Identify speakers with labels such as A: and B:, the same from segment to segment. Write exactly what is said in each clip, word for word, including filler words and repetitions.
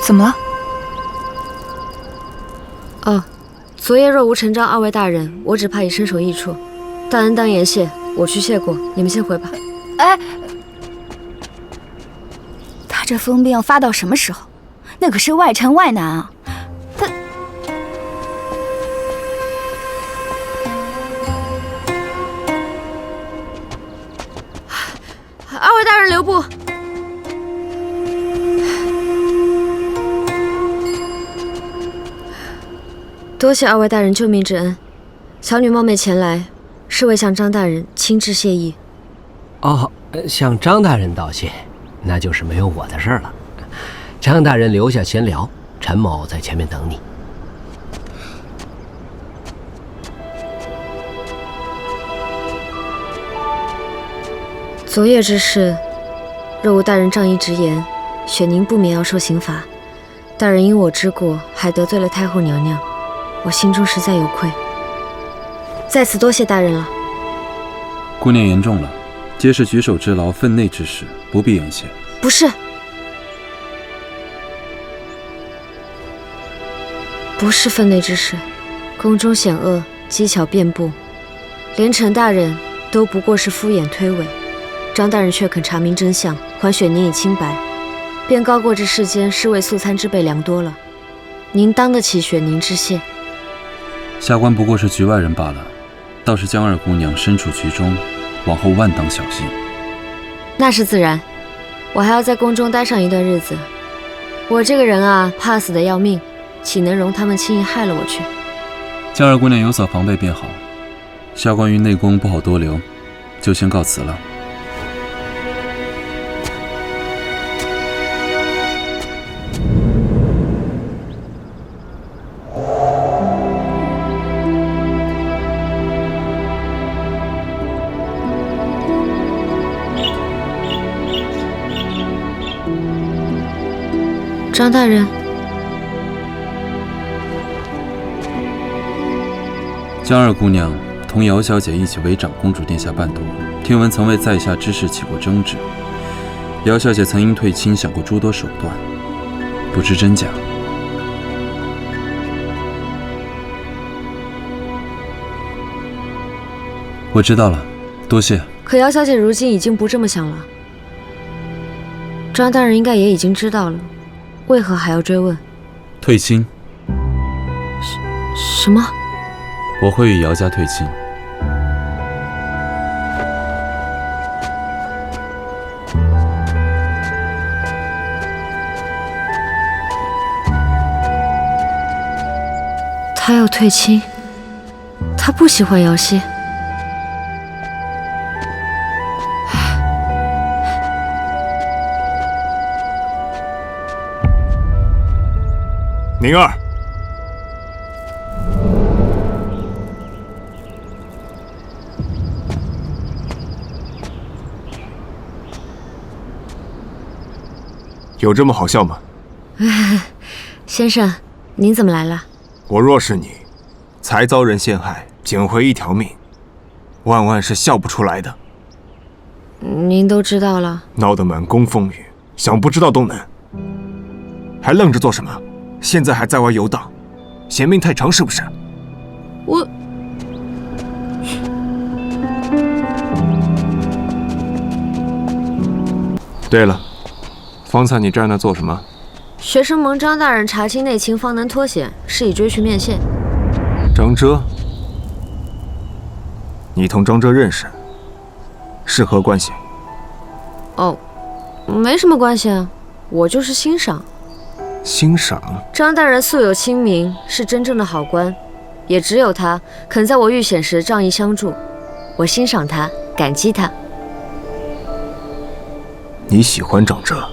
A: 怎么了？
B: 哦，昨夜若无陈章二位大人，我只怕已身首异处。大恩当言谢，我去谢过，你们先回吧。
A: 哎，他这疯病要发到什么时候？那可是外臣外男啊！他……
B: 二位大人留步。多谢二位大人救命之恩，小女冒昧前来，是为向张大人亲致谢意。
C: 哦，向张大人道谢，那就是没有我的事了。张大人留下闲聊，陈某在前面等你。
B: 昨夜之事，若无大人仗义直言，雪宁不免要受刑罚。大人因我之过，还得罪了太后娘娘，我心中实在有愧，在此多谢大人了。
D: 姑娘言重了，皆是举手之劳，分内之事，不必言谢。
B: 不是，不是分内之事，宫中险恶，机巧遍布，连陈大人都不过是敷衍推诿，张大人却肯查明真相，还雪宁以清白，便高过这世间尸位素餐之辈良多了。您当得起雪宁之谢。
D: 下官不过是局外人罢了，倒是江二姑娘身处局中，往后万当小心。
B: 那是自然，我还要在宫中待上一段日子。我这个人啊，怕死的要命，岂能容他们轻易害了我去？
D: 江二姑娘有所防备便好。下官于内宫不好多留，就先告辞了。
B: 张大人，
D: 江二姑娘同姚小姐一起为长公主殿下伴读，听闻曾为在下之事起过争执。姚小姐曾因退亲想过诸多手段，不知真假。我知道了，多谢。
B: 可姚小姐如今已经不这么想了，张大人应该也已经知道了，为何还要追问？
D: 退亲？
B: 什么？
D: 我会与姚家退亲。
B: 他要退亲，他不喜欢姚希。
E: 宁儿，有这么好笑吗？
B: 先生，您怎么来了？
E: 我若是你，才遭人陷害，捡回一条命，万万是笑不出来的。
B: 您都知道了，
E: 闹得满宫风雨，想不知道都难。还愣着做什么？现在还在外游荡，嫌命太长是不是？
B: 我……
E: 对了，方才你站那做什么？
B: 学生蒙张大人查清内情，方能脱险，是以追去面线。
E: 张遮，你同张遮认识，是何关系？
B: 哦，没什么关系啊，我就是欣赏。
E: 欣赏？
B: 张大人素有清名，是真正的好官，也只有他肯在我遇险时仗义相助，我欣赏他，感激他。
E: 你喜欢张遮？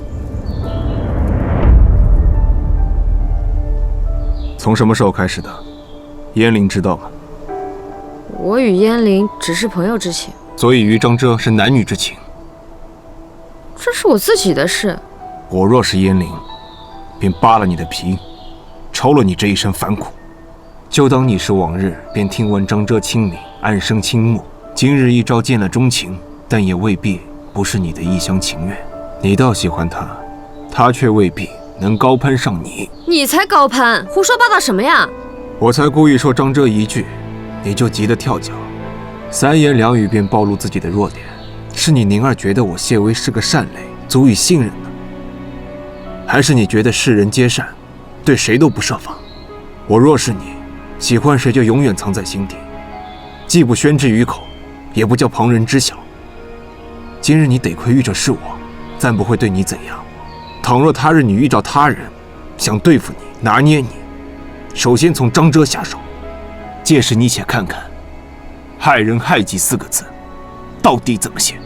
E: 从什么时候开始的？燕玲知道吗？
B: 我与燕玲只是朋友之情，
E: 所以与张遮是男女之情。
B: 这是我自己的事。
E: 我若是燕玲，便扒了你的皮，抽了你这一身反骨。就当你是往日便听闻张遮清明，暗生倾慕，今日一朝见了钟情，但也未必不是你的一厢情愿。你倒喜欢他，他却未必能高攀上你。
B: 你才高攀，胡说八道什么呀？
E: 我才故意说张遮一句，你就急得跳脚，三言两语便暴露自己的弱点。是你宁儿觉得我谢薇是个善类，足以信任呢？还是你觉得世人皆善，对谁都不设防？我若是你，喜欢谁就永远藏在心底，既不宣之于口，也不叫旁人知晓。今日你得亏遇着是我，暂不会对你怎样。倘若他日你遇着他人，想对付你、拿捏你，首先从张遮下手。届时你且看看，害人害己四个字到底怎么写。